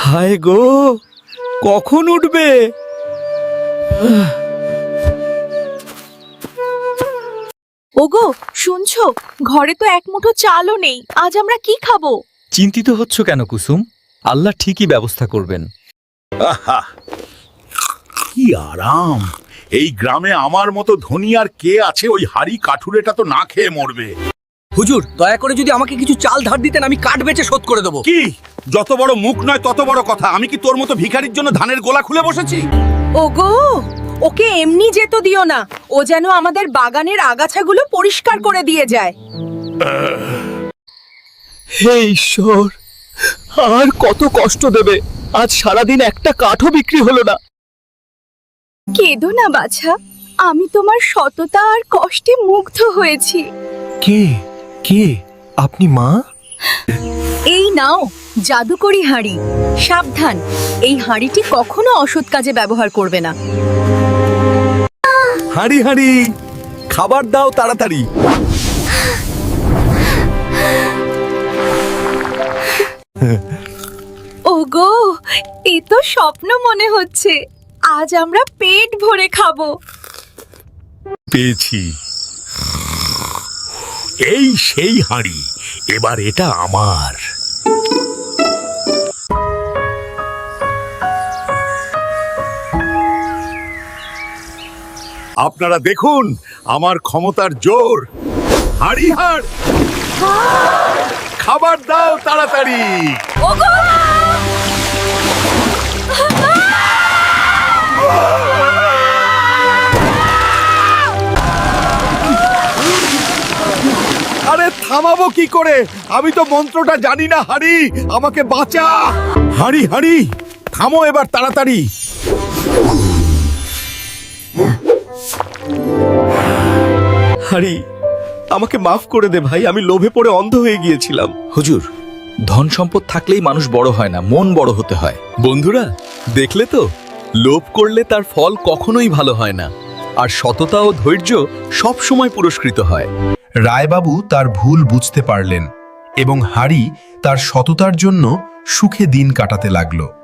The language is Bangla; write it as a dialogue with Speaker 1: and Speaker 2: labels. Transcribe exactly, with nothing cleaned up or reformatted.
Speaker 1: হায় গো, কখন উঠবে?
Speaker 2: ওগো শুনছো, ঘরে তো এক মুঠো চালও নেই। আজ আমরা কি খাবো?
Speaker 1: চিন্তিত হচ্ছ কেন কুসুম? আল্লাহ ঠিকই ব্যবস্থা করবেন।
Speaker 3: আহা, কি আরাম! এই গ্রামে আমার মতো ধনী আর কে আছে? ওই হাড়ি কাঠুরেটা তো না খেয়ে মরবে।
Speaker 4: হুজুর, দয়া করে যদি আমাকে কিছু চাল ধার দিতেন, আমি কাঠ বেচে শোধ করে দেবো।
Speaker 3: কি যত বড় মুখ নয় তত বড় কথা। আমি কি তোর মতো ভিখারির জন্য ধানের গোলা খুলে বসেছি?
Speaker 2: ওগো, ওকে এমনি যেতে দিও না। ও যেন আমাদের বাগানের আগাছাগুলো পরিষ্কার করে দিয়ে যায়।
Speaker 1: হে ঈশ্বর, আর কত কষ্ট দেবে? আজ সারাদিন একটা কাঠও বিক্রি হলো না।
Speaker 2: কেঁদো না বাছা, আমি তোমার সততা আর কষ্টে মুগ্ধ হয়েছি।
Speaker 1: কে কে আপনি মা?
Speaker 2: এই নাও জাদুকরি হাঁড়ি। সাবধান, এই হাঁড়িটি কখনো অসৎ কাজে ব্যবহার করবে না।
Speaker 1: হাঁড়ি হাঁড়ি, খাবার দাও তাড়াতাড়ি।
Speaker 2: ওগো, এ তো স্বপ্ন মনে হচ্ছে। আজ আমরা পেট ভরে খাবো।
Speaker 3: পেয়েছি, এই সেই হাঁড়ি। এবার এটা আমার। আপনারা দেখুন আমার ক্ষমতার জোর। হাঁড়ি হাড়, খাবার দাও তাড়াতাড়ি।
Speaker 2: ওগো!
Speaker 3: আরে থামাবো কি করে? আমি তো মন্ত্রটা জানি না। হাঁড়ি, আমাকে বাঁচা। হাঁড়ি হাঁড়ি, থামো এবার তাড়াতাড়ি।
Speaker 1: হাঁড়ি, আমাকে মাফ করে দে ভাই, আমি লোভে পড়ে অন্ধ হয়ে গিয়েছিলাম।
Speaker 5: হুজুর, ধন সম্পদ থাকলেই মানুষ বড় হয় না, মন বড় হতে হয়।
Speaker 1: বন্ধুরা, দেখলে তো, লোভ করলে তার ফল কখনোই ভালো হয় না, আর সততা ও ধৈর্য সব সময় পুরস্কৃত হয়।
Speaker 6: রায়বাবু তার ভুল বুঝতে পারলেন এবং হাড়ি তার সততার জন্য সুখে দিন কাটাতে লাগলো।